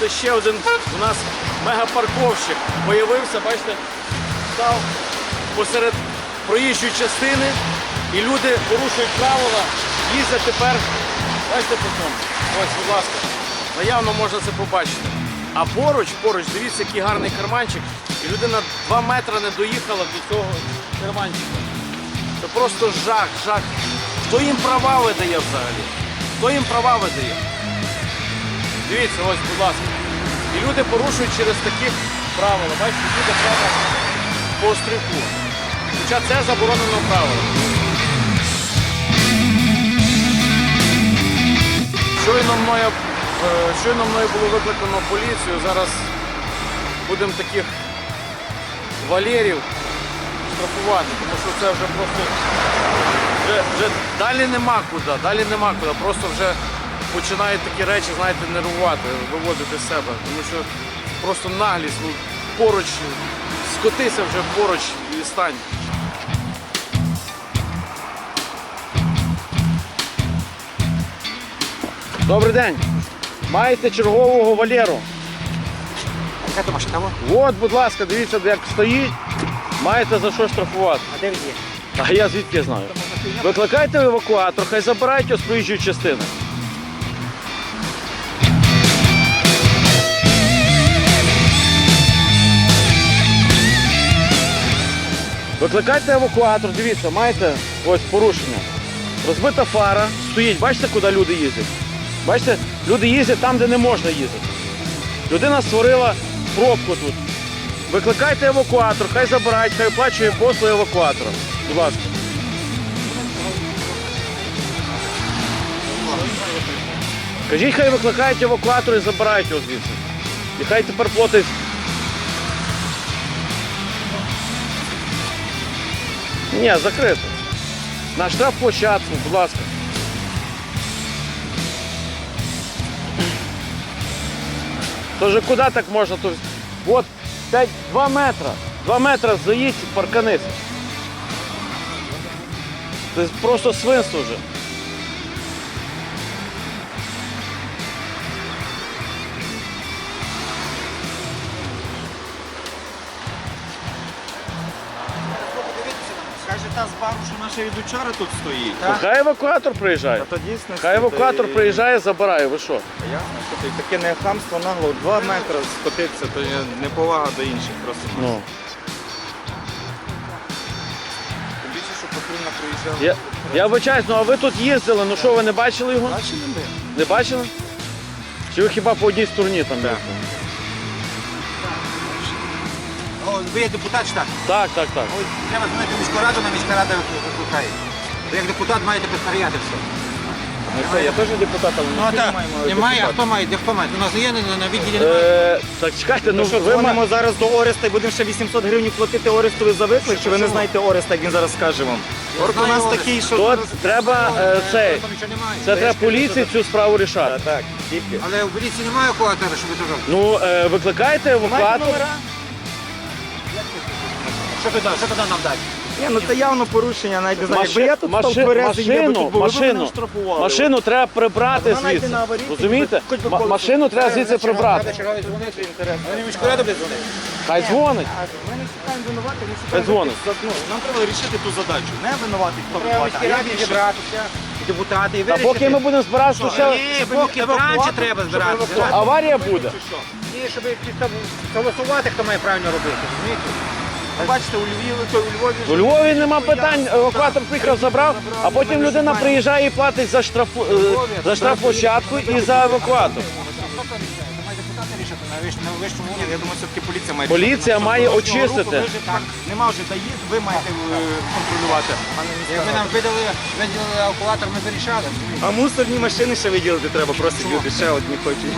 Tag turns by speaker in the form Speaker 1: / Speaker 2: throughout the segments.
Speaker 1: бачите, ще один у нас мегапарковщик появився, бачите, став посеред проїжджої частини і люди порушують правила, їздять тепер, бачите, по цьому. Ось, будь ласка, наявно можна це побачити. А поруч, дивіться, який гарний карманчик, і людина 2 метри не доїхала до цього карманчика. Це просто жах. Хто їм права видає взагалі? Хто їм права видає? Дивіться, ось, будь ласка. І люди порушують через такі правила. Бачите, люди прямо по острівку. Хоча це заборонено правило. Щойно мною було викликано поліцію. Зараз будемо таких валерів штрафувати, тому що це вже просто вже далі нема куди, просто вже починають такі речі, знаєте, нервувати, виводити з себе, тому що просто наглість, поруч, скотися вже поруч і стань. Добрий день, маєте чергового валеру?
Speaker 2: Яка то машина?
Speaker 1: От, будь ласка, дивіться, як стоїть, маєте за що штрафувати.
Speaker 2: А де він є?
Speaker 1: А я звідки знаю? Викликайте евакуатор, хай забирають його з проїжджої частини. Викликайте евакуатор, дивіться, маєте ось порушення. Розбита фара, стоїть, бачите, куди люди їздять? Бачите, люди їздять там, де не можна їздити. Людина створила пробку тут. Викликайте евакуатор, хай забирають, хай оплачує послуги евакуатора. Будь ласка. Кажіть, хай викликають евакуатор і забирають його звідси. І хай тепер платить. Ні, закрито. На штрафплощадку, будь ласка. Тож куди так можна? От 2 метри. 2 метри заїдь, парканися. Це просто свинство вже.
Speaker 2: Скаже та з бару, що наша від учора тут стоїть.
Speaker 1: Хай евакуатор приїжджає.
Speaker 2: Та то дійсно.
Speaker 1: Хай евакуатор приїжджає, забирає, ви що?
Speaker 2: Ясно, що ти таке не хамство нагло, 2 метри скотитися, то є неповага до інших просто.
Speaker 1: Ну.
Speaker 2: Тим більше, що патрульна проїжджала.
Speaker 1: Я вибачаюсь, ну а ви тут їздили, ну що, ви не бачили його?
Speaker 2: Бачили ми?
Speaker 1: Не бачили? Чи ви хіба по одній стороні там?
Speaker 2: Так.
Speaker 1: їздили?
Speaker 2: О, ви є депутат чи так?
Speaker 1: Так.
Speaker 2: Ой, треба дзвонити в міську раду, на міська рада викликає. Ви як депутат маєте підпорядати все.
Speaker 1: Я теж депутат, але
Speaker 2: Ну а так, немає, а хто має? Де хто має? У нас є на відділі
Speaker 1: Так чекайте, ну
Speaker 2: що,
Speaker 1: ви
Speaker 2: дзвонимо зараз до Ореста і будемо ще 800 гривень платити Орестові за виклик, чи ви не знаєте Ореста, як він зараз скаже вам? Орк у нас такий, що...
Speaker 1: Тут треба цей. Це треба поліції цю справу рішати.
Speaker 2: Так, тільки. Але в поліції немає евакуатора, щоб ви казали.
Speaker 1: Ну, викликайте евакуатор.
Speaker 2: Що туди нам дати? Ні, ну це явно порушення, навіть не знаю. Якби я тут став тверезий, я би тут був, ви б мене штрафували.
Speaker 1: Машину треба прибрати
Speaker 2: Вона йде
Speaker 1: звідси.
Speaker 2: на аварійку,
Speaker 1: Розумієте?
Speaker 2: хоч би колесо.
Speaker 1: Машину треба звідси прибрати.
Speaker 2: Черговий дзвонити, інтересно. Вони в міську раду буде дзвонити?
Speaker 1: Хай дзвонить.
Speaker 2: Ми не шукаємо винувати, ми
Speaker 1: Хай дзвонить.
Speaker 2: Нам треба вирішити ту задачу. Не винувати, хто винувати, а як зібратися, депутати, і
Speaker 1: А
Speaker 2: вирішити.
Speaker 1: поки ми будемо збиратися, то ще
Speaker 2: Ні, поки вранці треба збиратися.
Speaker 1: аварія буде.
Speaker 2: Ні, щоб голосувати, хто має правильно робити, розумієте? Бачите, у
Speaker 1: У Львові нема питань, евакуатор приїхав, забрав, а потім людина приїжджає і платить за штрафплощадку і за евакуатор.
Speaker 2: Має депутати рішити на вищому рівні. Я думаю, все-таки поліція має.
Speaker 1: Поліція має очистити.
Speaker 2: Нема вже доїзд, ви маєте контролювати. Якби нам виділили евакуатор, ми вирішали. А мусорні машини ще виділити треба, просять люди, ще одні хочуть.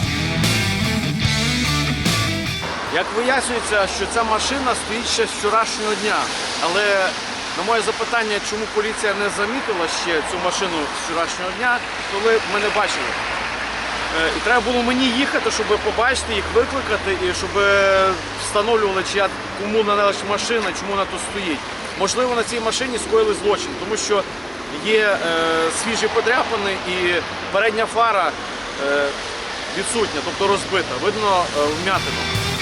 Speaker 1: Як вияснюється, що ця машина стоїть ще з вчорашнього дня. Але на моє запитання, чому поліція не замітила ще цю машину з вчорашнього дня, то ми не бачили. І треба було мені їхати, щоб побачити їх, викликати, і щоб встановлювали, кому належить машина, чому вона тут стоїть. Можливо, на цій машині скоїли злочин, тому що є свіжі подряпини і передня фара відсутня, тобто розбита. Видно вм'ятину.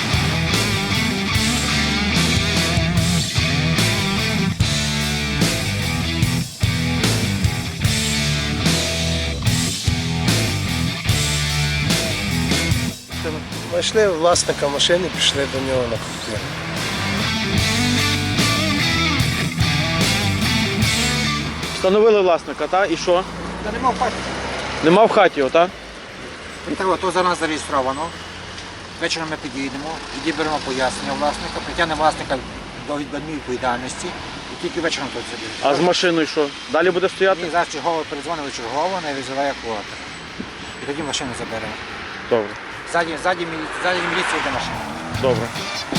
Speaker 3: Знайшли власника машини, пішли до нього на квартиру.
Speaker 1: Встановили власника, та? І що?
Speaker 2: Та нема в хаті.
Speaker 1: Нема в хаті його, так?
Speaker 2: То за нас зареєстровано. Вечором ми підійдемо, тоді беремо пояснення власника, притягнемо власника до адмінвідповідальності і тільки вечором тут сидить.
Speaker 1: А з машиною що? Далі буде стояти?
Speaker 2: Мені зараз чергово передзвонили чергово, не визиває евакуатор. І тоді машину заберемо.
Speaker 1: Добре.
Speaker 2: Ззаді міліція йде машина.
Speaker 1: Добре.